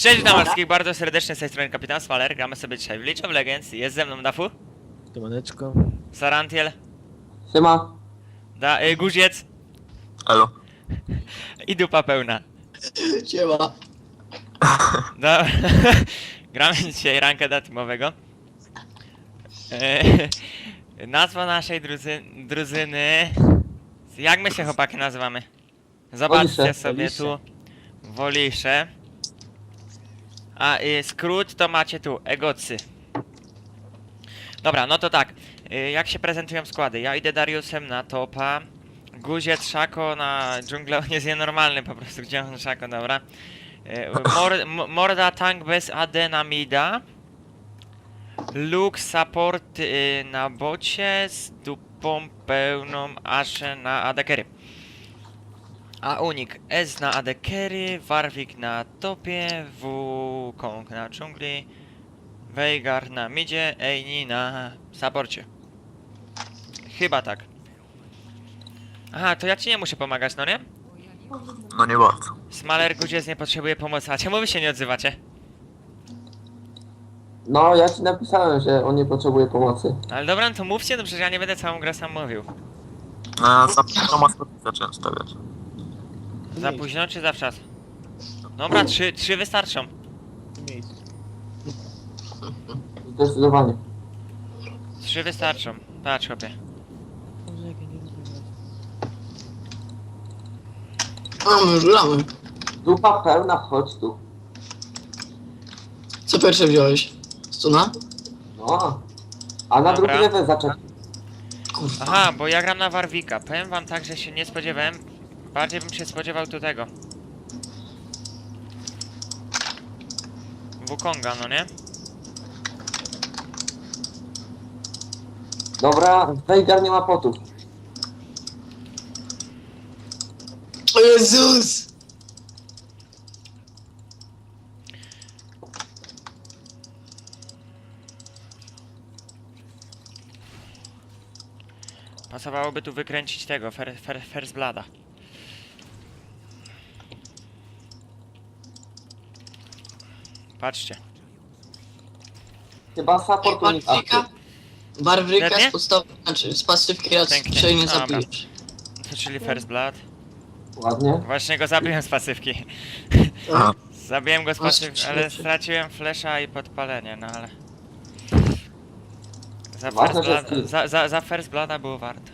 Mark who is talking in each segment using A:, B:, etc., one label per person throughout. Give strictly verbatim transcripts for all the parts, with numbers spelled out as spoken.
A: Cześć, witam wszystkich bardzo serdecznie z tej strony Kapitan Smaler. Gramy sobie dzisiaj w League of Legends. Jest ze mną Dafu,
B: Siemaneczko.
A: Sarantiel,
C: Siema.
A: da, y, Guziec
C: Elo.
A: i dupa pełna.
C: Siema.
A: Da, gramy dzisiaj ranka teamowego. E, nazwa naszej druzy, drużyny... Jak my się chłopaki nazywamy? Zobaczcie
C: Wolisze,
A: sobie
C: Wolisze.
A: tu. Wolisze. A y, skrót to macie tu, egocy. Dobra, no to tak. Y, jak się prezentują składy? Ja idę Dariusem na topa. Guziec, Szako na dżunglę, on jest nienormalny po prostu, gdzie on Szako, dobra. Y, mor, m- morda tank bez A D na mida. Luke support y, na bocie z dupą pełną Ashe na A D carry. A Unik S na A D carry, Warwick na topie, Wukong na dżungli, Veigar na midzie, Eini na supporcie. Chyba tak. Aha, to ja ci nie muszę pomagać, no nie?
C: No nie bardzo.
A: Smaler Guziec nie potrzebuje pomocy, a czemu wy się nie odzywacie?
D: No, ja ci napisałem, że on nie potrzebuje pomocy.
A: Ale dobra, no to mówcie, no przecież ja nie będę całą grę sam mówił.
C: No, za późno maskoty zacząłem stawiać.
A: Za późno czy zawczas? Dobra, trzy, trzy wystarczą.
B: Miejsce.
D: Zdecydowanie.
A: Trzy wystarczą. Patrz, chłopie.
B: Może jak ja nie lubię was.
E: Mamy, żulamy.
D: Dupa pełna, chodź tu.
E: Co pierwsze wziąłeś? Stuna?
D: No. A na
A: Dobra.
D: drugi level zaczekaj.
E: Kurwa.
A: Aha, bo ja gram na Warwicka. Powiem wam tak, że się nie spodziewałem. Bardziej bym się spodziewał tu tego. Wukonga, no nie?
D: Dobra, Veigar nie ma potów.
E: O Jezus!
A: Pasowałoby tu wykręcić tego, fer, fer, First Blada. Patrzcie.
D: Chyba support unik
E: Barwryka? Barwryka
A: Pewnie?
E: z podstawy, znaczy z pasywki raz
A: Pięknie.
E: się nie
A: Dobra.
E: zabijesz.
A: To czyli First Blood.
D: Ładnie.
A: Właśnie go zabiłem z pasywki.
E: A,
A: Zabiłem go z
E: No,
A: pasywki, ale
E: rzeczy.
A: straciłem flesza i podpalenie, no ale... Za
D: Ważne,
A: First,
D: że
A: Blood,
D: skill.
A: za, za, za first Blooda było warto.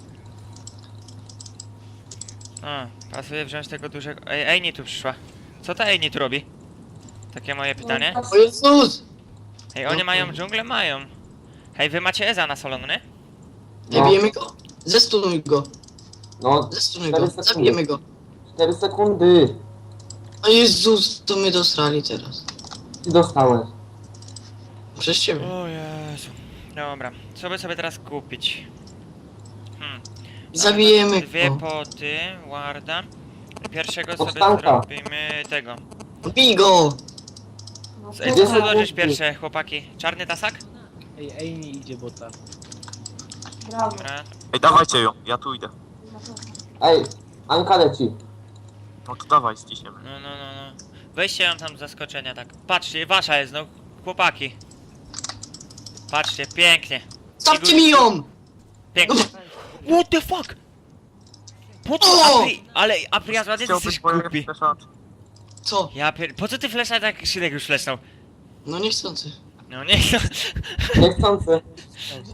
A: A, pasuje wziąć tego dużego... Ej, Eini tu przyszła. Co ta Eini tu robi? Takie moje pytanie.
E: o Jezus!
A: Ej, oni mają dżunglę? Mają. Hej, wy macie Eza na solon, nie?
E: Nie
D: No.
E: bijemy go? Zestunuj go,
D: No,
E: zestunuj
D: cztery
E: go,
D: sekundy.
E: zabijemy go.
D: cztery sekundy.
E: O Jezus, to my dostali teraz.
D: Ty dostałeś.
E: Przez ciebie.
A: O Jezu. Dobra, co by sobie teraz kupić? Hmm.
E: Zabijemy
A: Dwie
E: go.
A: poty, warda. Pierwszego sobie
D: Powstanka.
A: zrobimy tego.
E: Bij go!
A: Ej, co sobie dołożyć pierwsze, chłopaki? Czarny tasak?
B: Ej, ej, nie idzie bota.
A: Dobra.
C: Ej, dawajcie ją, ja tu idę.
D: Ej, Anka leci.
C: No to dawaj, ściśniemy.
A: No, no, no, no. Weźcie ją tam z zaskoczenia, tak. Patrzcie, wasza jest, no, chłopaki. Patrzcie, pięknie.
E: Stawcie mi ją!
A: Pięknie. What the fuck? Po co
E: O!
A: Apri... Ale Aprias, ładnie ty jesteś głupi.
E: Co?
A: Ja pier... Po co ty flesza tak Szydek już flesznął?
E: No niechcący.
A: No nie, no.
D: Niechcący.
B: Słuchajcie.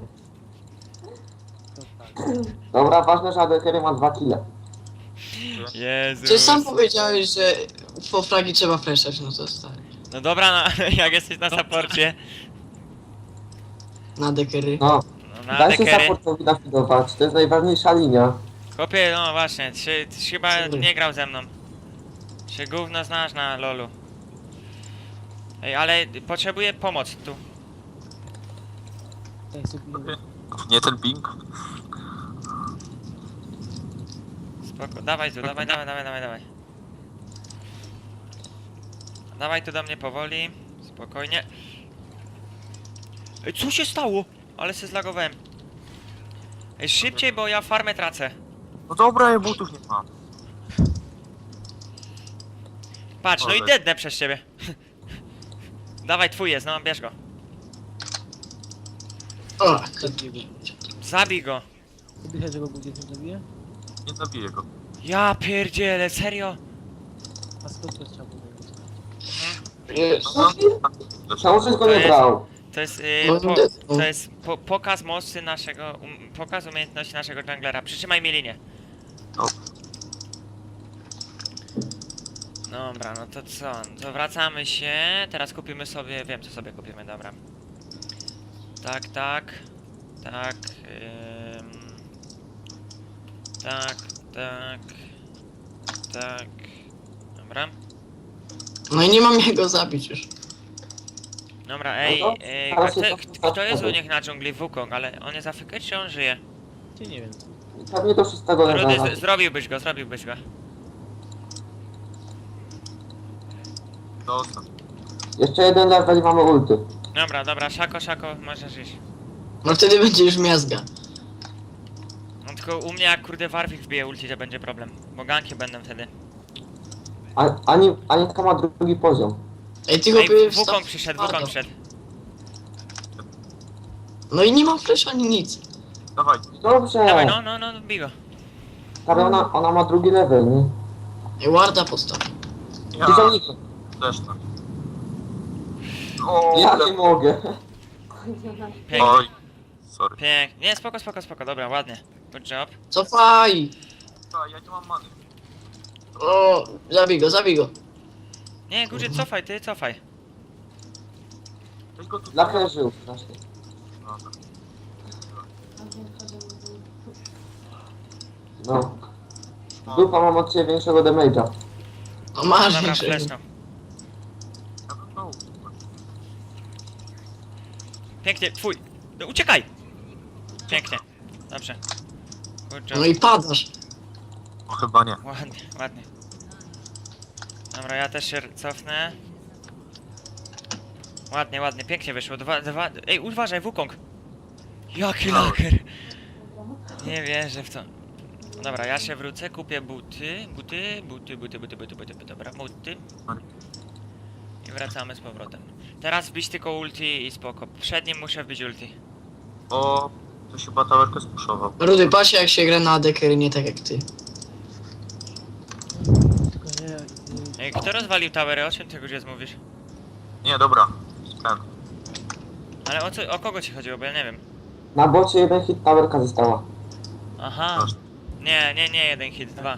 D: Dobra, ważne, że A D carry ma dwa kile.
A: Jezu.
E: Ty sam powiedziałeś, że po fragi trzeba fleszać, no to stary.
A: No dobra, no, ale jak jesteś na supporcie.
E: Na dekery.
D: No,
A: No na
D: daj się
A: dekery.
D: supportowi nafidować. To jest najważniejsza linia.
A: Chłopie, no właśnie, ty, ty chyba
E: Sorry.
A: nie grał ze mną. Się gówno znasz na lolu. Ej, ale potrzebuję pomoc tu.
B: Ej, sobie
C: Nie ten ping?
A: Spoko, dawaj tu, dawaj, dawaj, dawaj, dawaj, dawaj. Dawaj tu do mnie powoli, spokojnie. Ej, co się stało? Ale się zlagowałem. Ej, szybciej, bo ja farmę tracę.
C: No dobra, ja butów nie mam.
A: Patrz, no i dednę przez ciebie. Dawaj, twój jest, no bierz go.
E: O,
B: Zabiję go.
A: Zabij go.
B: Oddychaj, że go Guzie nie zabije?
C: Nie zabiję go.
A: Ja pierdzielę, serio?
B: A skąd to trzeba było?
E: jest.
C: No,
D: Czemu żeś go
A: To
D: nie
A: jest-
D: brał?
A: To jest, yy,
E: No,
A: po,
E: no.
A: to jest po, pokaz mocy naszego, um, pokaz umiejętności naszego junglera. Przytrzymaj mi linię.
C: O.
A: Dobra, no to co? To wracamy się. Teraz kupimy sobie, wiem co sobie kupimy, dobra. Tak, tak. Tak. Ym, tak, tak. Tak. Dobra.
E: No i nie mam jak go zabić już.
A: Dobra, ej,
D: No to
A: ej
D: teraz
A: kto,
D: jest
A: kto, kto jest u
D: ostatni.
A: nich na dżungli? Wukong, ale on jest afrykę, czy on żyje?
B: Czy nie wiem.
D: Pewnie do szóstego
A: Rudy,
D: levela.
A: z- zrobiłbyś go, zrobiłbyś go.
C: Dostał.
D: Jeszcze jeden level i mamy ulty.
A: Dobra, dobra, szako, szako, możesz iść.
E: No wtedy będzie już miazga.
A: No tylko u mnie jak kurde Warwick wbije ulti, to będzie problem. Bo ganki będą wtedy.
D: A, ani, Anitka ma drugi poziom.
E: Ej, ty
A: Ej,
E: chłopie,
A: Wukong
E: wstaw
A: przyszedł,
E: twardo.
A: Wukong przyszedł.
E: No i nie mam flash ani nic.
C: Dawaj.
D: Dobrze.
A: Dawaj, no, no, no, bij go.
D: Ale ona, ona ma drugi level, nie?
E: Ej, warda postaw.
C: Ja
D: Tysiąc.
C: też tak. O,
D: Ja
C: le-
D: nie mogę.
A: Pięknie,
C: Oj. Sorry.
A: pięknie. Nie, spoko, spoko, spoko, dobra, ładnie. Good job.
E: Cofaj!
C: A, ja nie mam many.
E: O, zabij go, zabij go.
A: Nie, Gudzie, cofaj, ty, cofaj.
C: Weź go tu.
D: Dla żył strasznie.
C: Dobra.
D: No. Dupa mam od ciebie większego damage'a.
E: No masz
A: Dobra,
E: większego.
A: fleszno.
C: Ja bym dał.
A: Pięknie, twój. No, uciekaj! Pięknie. Dobrze. Good job.
E: No i padasz.
C: O, chyba nie.
A: Ładnie, ładnie. Dobra, ja też się cofnę. Ładnie, ładnie, pięknie wyszło. Dwa, dwa... Ej, uważaj, Wukong! Jaki laker! Nie wierzę w to. Dobra, ja się wrócę, kupię buty, buty, buty, buty, buty, buty, buty, buty, dobra, buty. I wracamy z powrotem. Teraz wbić tylko ulti i spoko. Przed nim muszę wbić ulti.
C: O, to się batawerkę spuszował.
E: Rudy, pasie jak się gra na adekery, nie tak jak ty.
B: Tylko nie, nie.
A: Ej, kto rozwalił towery? O czym ty gdzie mówisz?
C: Nie, dobra. Ten.
A: Ale o co, o kogo ci chodziło, bo ja nie wiem.
D: Na bocie jeden hit towerka została.
A: Aha. Nie, nie, nie, jeden hit, dwa.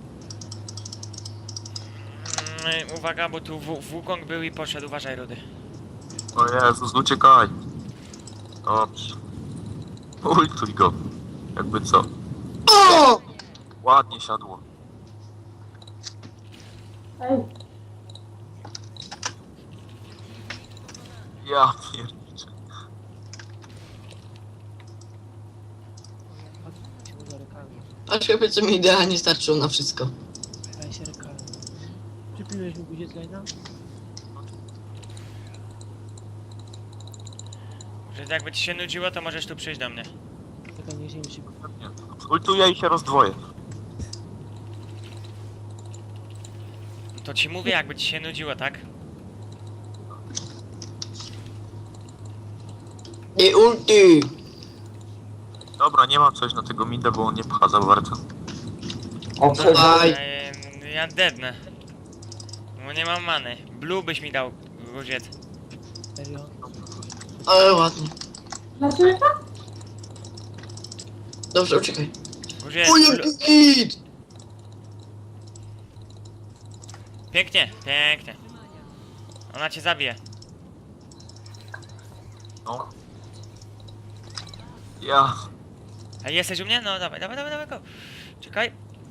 A: Mm, uwaga, bo tu Wu- Wukong był i poszedł, uważaj, Rudy.
C: O Jezus, uciekaj. Dobrze. Ultuj go. Jakby co.
E: O!
C: Ładnie siadło. Ja pierniczę.
B: Patrz się za rękami.
E: Patrz chłopie, co mi idealnie starczyło na wszystko.
B: Daj się rękami. Przypiłeś mu Guzie z lajna?
A: Że jakby ci się nudziło, to możesz tu przyjść do mnie.
B: Czekaj, nie ziemi szybko.
C: Nie. Ultuję i się rozdwoję.
A: To ci mówię, jakby ci się nudziło, tak?
E: Ej, ulti!
C: Dobra, nie mam coś na tego mida, bo on nie pcha za bardzo.
D: O, przegrał.
E: Dawaj.
A: Ej, ja dednę. Bo nie mam many. Blue byś mi dał, Guziec.
B: Serio?
E: Ale ładnie. Dobrze, uciekaj.
A: Guziec,
E: O,
A: blue.
E: jaki hit!
A: Pięknie, pięknie. Ona cię zabije.
C: No. Ja.
A: A jesteś u mnie? No dawaj, dawaj, dawaj, dawaj go. Czekaj.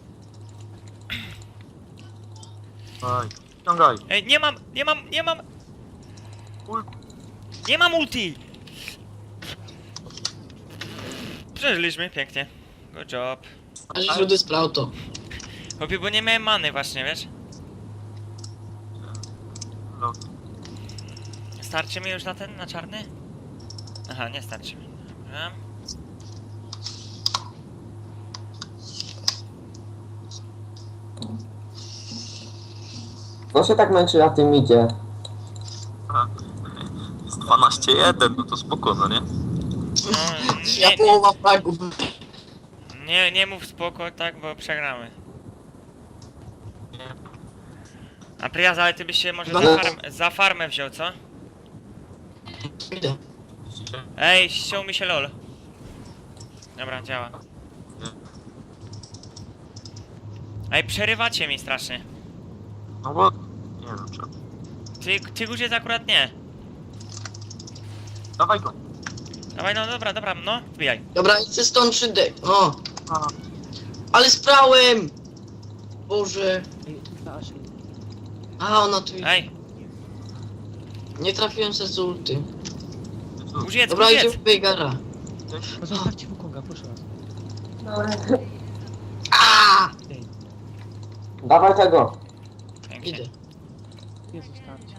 C: Daj. Ściągaj.
A: Ej, nie mam, nie mam, nie mam.
C: Ul-
A: Nie mam ulti! Przeżyliśmy, pięknie. Good job.
E: A żeś Rudy sprał to.
A: Chłopie, bo nie miałem many właśnie, wiesz?
C: No.
A: Starczy mi już na ten, na czarny? Aha, nie starczy mi. Dobra.
D: Kto się tak męczy na tym idzie?
C: Aha. trzynaście jeden, no to spoko, no nie?
A: No,
E: Ja
A: nie,
E: połowa fragów.
A: nie, nie mów spoko, tak, bo przegramy. A Priaz, ale ty byś się może za,
E: No.
A: farm, za farmę wziął, co?
E: Idę.
A: Ej, ściął mi się lol. Dobra, działa. Ej, przerywacie mi strasznie.
C: No bo... Nie wiem czemu.
A: Ty, ty Guziec akurat nie.
C: Dawaj go.
A: Dawaj, no dobra, dobra, no, wbijaj.
E: Dobra, idź stąd przy dek. O,
C: A,
E: ale sprałem! Boże.
B: Ej, ta Ashley.
E: A, ona tu idzie.
A: Ej,
E: Nie trafiłem se z ulty.
C: tu.
A: Guziec,
E: Dobra, idzie
A: Guziec.
E: w Bejgara.
B: No zostawcie Wukonga, proszę was.
E: A!
B: Ej,
D: Dawaj tego.
A: Pięknie.
E: Idę.
B: nie zostawcie.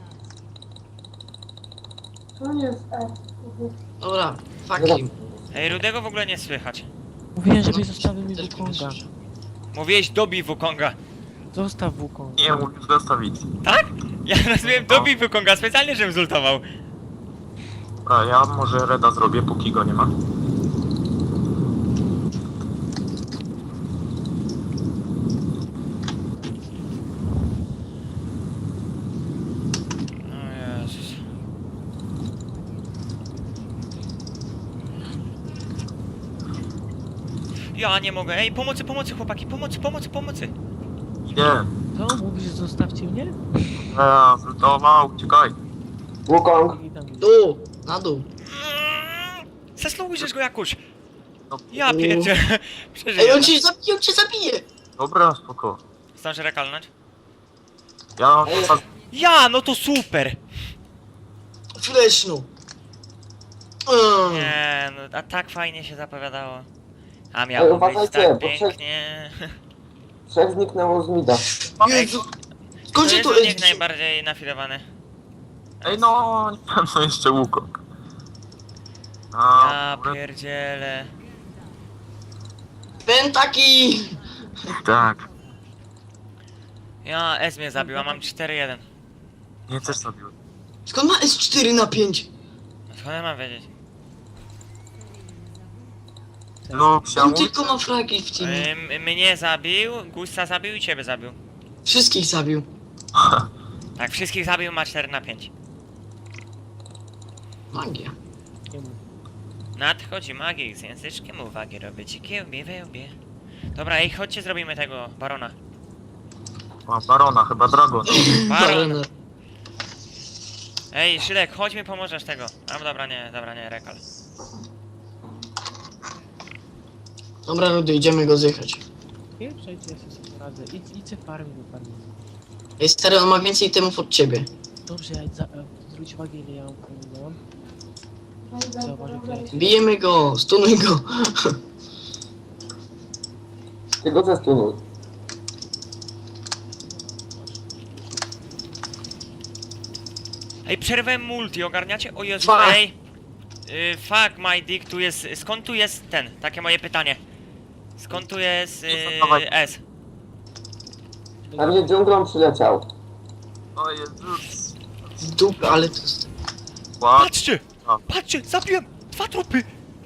E: Dobra, fuck him.
A: Ej, Rudego w ogóle nie słychać.
B: Mówiłem,
E: No,
B: żebyś zostawił mi
E: też
B: Wukonga.
E: mnie słyszę.
A: Mówiłeś dobij Wukonga.
B: Zostaw Wukonga.
C: Nie, mówisz zostawić.
A: Tak? Ja nazywałem dobij Wukonga, specjalnie żebym zultował.
C: A ja może Reda zrobię, póki go nie ma.
A: O Jezus. Ja nie mogę. Ej, pomocy, pomocy chłopaki, pomocy, pomocy, pomocy.
C: Idę.
B: Co? Mówisz, że zostawcie mnie?
C: Ja, zlutował, uciekaj.
D: Wukong.
B: I tam
E: Dół, na dół.
A: Zesnąłujesz go jakoś.
C: No,
A: Ja pierdzie.
E: Ej,
A: Przeżyję.
E: on cię zabije, on cię zabije!
C: dobra, spoko.
A: Zdążę rekalnąć?
C: Ja mam
D: Ej,
C: czas...
A: Ja, no to super.
E: Flesznu. Mm.
A: Nie, no a tak fajnie się zapowiadało. A
D: Ej,
A: miało być
D: uważajcie,
A: tak
D: bo przed-
A: pięknie.
D: Trzech zniknęło z mida.
E: Jezu.
A: To
E: Skąd się
A: jest
E: tu
A: niech
E: jest?
A: najbardziej nafilowany.
C: Ej, no, nie wiem, co jeszcze Wukong. A,
A: Ja
C: dobra,
A: pierdzielę.
E: Pentaki!
C: tak.
A: Ja, S mnie zabił, a mam cztery jeden.
C: Nie, też zabiłem.
E: Skąd ma S cztery na pięć?
A: No skąd ja mam wiedzieć?
C: Lub się
E: On tylko ma fragi w teamie.
A: Ym, mnie zabił, Gusta zabił i ciebie zabił.
E: Wszystkich zabił.
A: Tak, wszystkich zabił, ma cztery na pięć.
E: Magia.
B: nie mów.
A: Nadchodzi magik z języczkiem uwagi, robię ci kiełbie, wełbie. Dobra, ej, chodźcie, zrobimy tego barona.
C: Mam Barona, chyba Dragon.
A: Baron! Ej, Szydek, chodź mi pomożesz tego. A dobra, nie, dobra, nie, rekal.
E: Dobra, Rudy, idziemy go zjechać.
B: Nie, przejdźcie, ja sobie poradzę. Idź, idźcie farmi do farmi.
E: Ej, stary, on ma więcej temów od ciebie.
B: Dobrze, ja za, e, zwróć uwagę, ile ja mam komunałam. Zauważy klejs.
E: Bijemy go, stunuj go.
D: Ty go zestunuj.
A: Ej, przerwałem multi, ogarniacie? O Jezu,
E: Fuck.
A: ej! Y, fuck my dick, tu jest, skąd tu jest ten? Takie moje pytanie. Skąd tu jest y, S?
D: Na mnie dżunglą przyleciał.
C: O Jezus.
E: W dupę, ale to jest...
C: Ład.
A: Patrzcie!
C: A.
A: Patrzcie, zabiłem! Dwa trupy!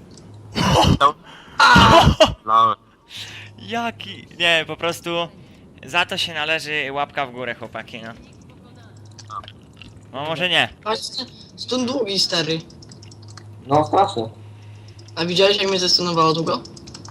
C: Lałem.
A: Jaki? Nie, po prostu za to się należy łapka w górę, chłopaki, no. No może nie.
E: Patrzcie, stun długi, stary.
D: No strasznie.
E: A widziałeś, jak mnie zestunowało długo?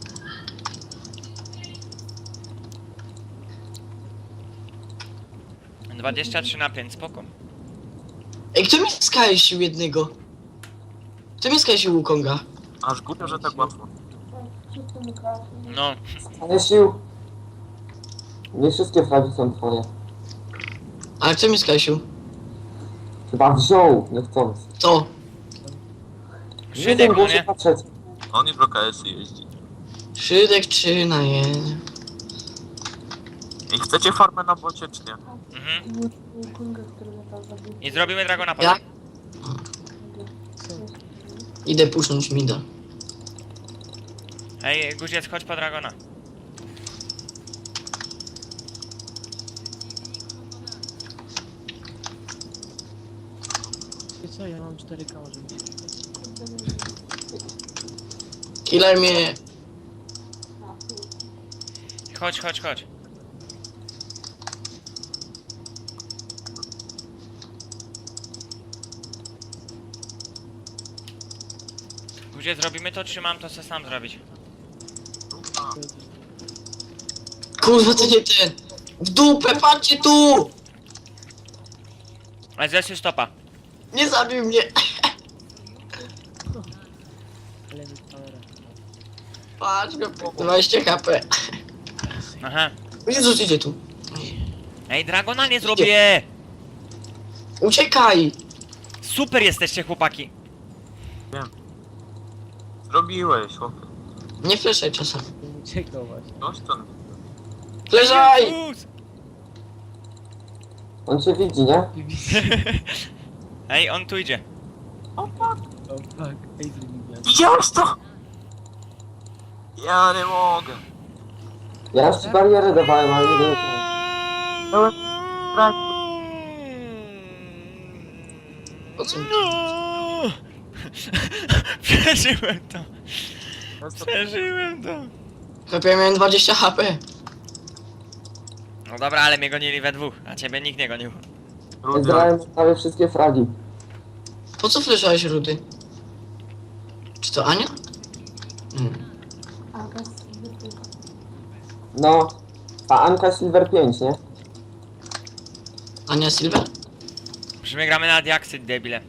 A: dwadzieścia trzy na pięć, spoko.
E: Ej, kto mi skajsił jednego? Kto mi skajsił Wukonga?
C: Aż głupio, że tak łatwo.
A: No,
D: Ale sił. Nie wszystkie fragi są twoje.
E: Ale kto mi skajsił?
D: Chyba wziął, niechcąc.
E: To.
D: Nie
A: Szydek,
D: wiem,
A: no
D: było się
A: nie?
D: patrzeć.
C: On już w K S jeździ.
E: Szydek trzy na jeden.
C: I chcecie farmę na bocie, czy nie?
A: Mhm. I zrobimy Dragona potem.
E: Jak? Idę pusznąć mida.
A: Ej, Guziec, chodź po Dragona.
B: Wiecie Co, ja mam cztery K, może mi się
E: Killer mnie...
A: Chodź, chodź, chodź. Gdzie zrobimy to, czy mam to co sam zrobić?
E: Kurwa, to nie ten! W dupę, patrzcie tu!
A: Ale zesy stopa.
E: Nie zabił mnie!
B: Ale mi powera.
E: Patrz go, dwadzieścia H P.
A: Aha.
E: Jezus, idzie tu.
A: Ej, Dragona nie zrobię!
E: Uciekaj!
A: Super jesteście, chłopaki.
C: Zrobiłeś, chłopie.
E: Nie fleszaj czasem.
B: Nie uciekał właśnie.
C: Coś to...
E: Fleszaj!
A: Jezus!
D: On cię widzi, nie?
A: Ej, on tu idzie.
B: O fuck! Ej, zrobiłem.
C: Widziałeś to? Ja nie mogę.
D: Ja już ci barierę dawałem, ale nie wiem.
E: Po co mi?
A: No! Przeżyłem to. Przeżyłem to.
E: Chłopie, ja miałem dwadzieścia H P.
A: No dobra, ale mnie gonili we dwóch, a ciebie nikt nie gonił.
D: Zgrałem prawie wszystkie fragi.
E: Po co fleszałeś, Rudy? Czy to Ania? Hmm.
D: No. A Anka Silver pięć, nie?
E: Ania Silver?
A: Że my gramy na diaksyd, debile.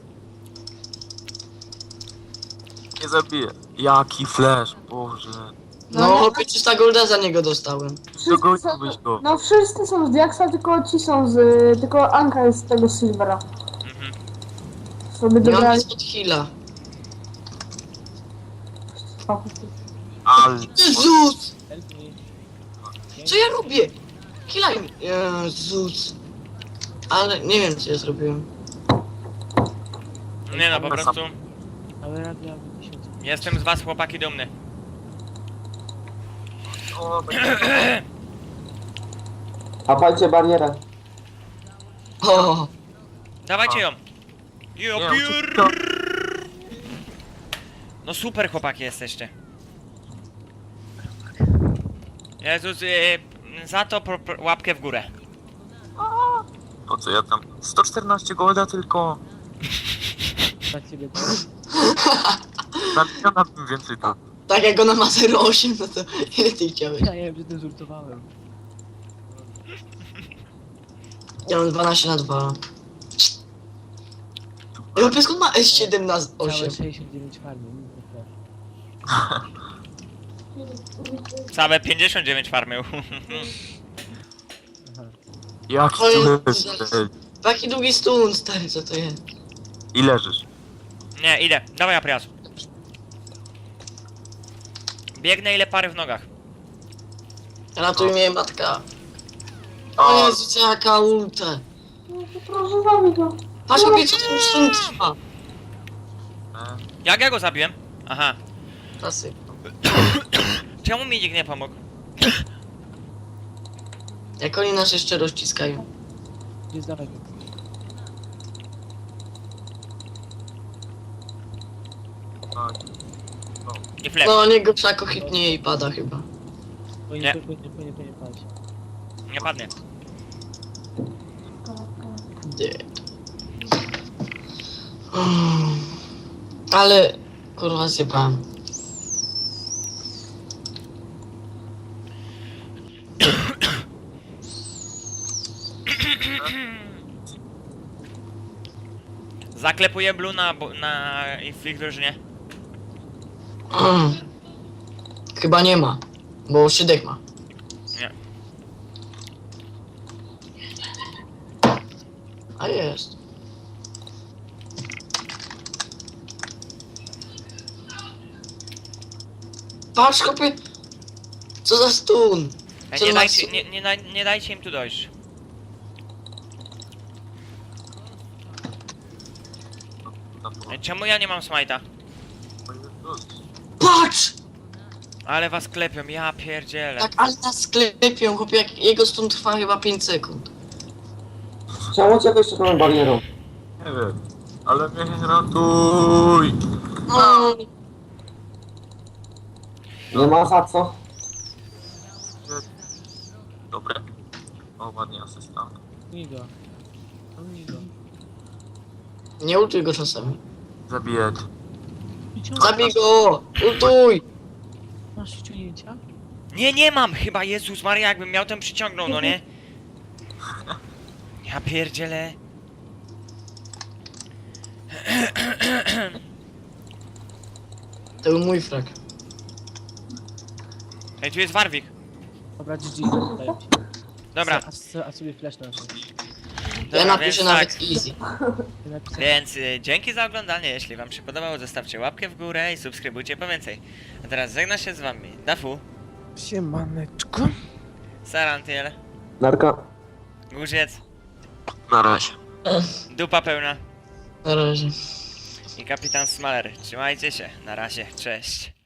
C: Nie zabiję. Jaki flash, Boże.
E: No, chłopie, trzysta golda za niego dostałem.
C: Dogoniłbyś go.
F: No wszyscy są z Diaksa, tylko ci są z... tylko Anka jest z tego Silvera.
A: Mhm.
F: Sobie
E: Nie mam
F: dobrali...
E: nic od heala.
C: Ale...
E: Jezus!
B: Help me.
E: Co ja robię? Kilaj mi. Jezus. Ale nie wiem, co ja zrobiłem.
A: Nie no, po prostu
B: Ale rad miałem tysiąc.
A: jestem z was, chłopaki, dumny.
C: O, będzie...
D: Łapajcie barierę.
E: O,
A: Dawajcie ją. Jo,
C: Nie,
A: piór.
C: uciekł.
A: No super, chłopaki jesteście. Jezus, yy, za to pro, pro, łapkę w górę.
C: Po co ja tam? sto czternaście golda tylko.
B: Na ciebie to.
C: Na miliona bym więcej to.
E: tak jak ona ma zero osiem, no to ile ty chciałeś?
B: Ja nie wiem, że ty żartowałem.
E: Ja mam dwanaście na dwa. Ej, chłopie, skąd ma S siedem na
B: Całe
E: osiem?
B: sześćdziesiąt dziewięć farmy. nic nie trafi.
A: Całe pięćdziesiąt dziewięć farmy.
B: Aha.
C: Jaki
E: To jest-
C: tu jest?
E: Taki długi stun, stary, co to jest?
C: I leżysz.
A: Nie, idę. Dawaj, Aprias. Biegnę ile pary w nogach.
E: Ratuj mnie, matka. O Jezu, jaka ulta.
F: No to proszę zabij go.
E: Patrz, chłopie, co ten stun trwa.
C: E,
A: Jak ja go zabiłem? Aha.
E: Tasy.
A: Czemu mi nikt nie pomógł?
E: Jak oni nas jeszcze rozciskają.
B: Nie zdawaj go.
C: tak.
A: I flep.
E: No, niego psako hitnie i pada chyba.
B: Płynie,
A: Nie.
B: płynie, płynie, płynie, patrz.
A: Nie padnie.
E: Dead. Mm. Ale, kurwa, zjebałem.
A: Zaklepuję Blue na, bo- na w ich drużynie.
E: Mm. Chyba nie ma, bo Szydek ma.
A: Nie.
E: A jest. Patrz, chłopie. Co za stun.
A: Ej,
E: Co
A: nie,
E: ma
A: dajcie,
E: stun?
A: nie, nie, daj- nie dajcie im tu dojść.
C: Na to.
A: Ej, czemu ja nie mam smite'a?
C: O Jezus.
E: Patrz!
A: Ale was klepią, ja pierdzielę.
E: Tak, ale nas sklepią, chłopie, jak jego stun trwa chyba pięć sekund.
D: Czemu cię jeszcze tą barierą?
C: Nie wiem. Ale mnie ratuj!
E: No,
D: Nie ma za co.
C: Dobre. O, ładnie asysta.
B: Nigo. Nigo.
E: nie ultuj go czasami.
C: Zabijać.
E: Zabij go! Ultuj!
B: Masz ściągnięcia?
A: Nie, nie mam chyba, Jezus Maria, jakbym miał, ten przyciągnął, no nie? Ja pierdzielę.
E: To był mój frak.
A: Ej, tu jest Warwik.
B: Dobra, G G, daję ci.
A: Dobra,
B: A, a sobie flash na to.
E: Ja
A: dobra,
E: napiszę
A: więc
E: nawet
A: tak.
E: easy.
A: Więc y, dzięki za oglądanie, jeśli wam się podobało, zostawcie łapkę w górę i subskrybujcie po więcej. A teraz żegna się z wami Dafu,
B: Siemaneczko.
A: Sarantiel,
D: Narka.
A: Górziec,
C: Na razie.
A: Dupa Pełna
E: Na razie.
A: i Kapitan Smaler. Trzymajcie się, na razie, cześć.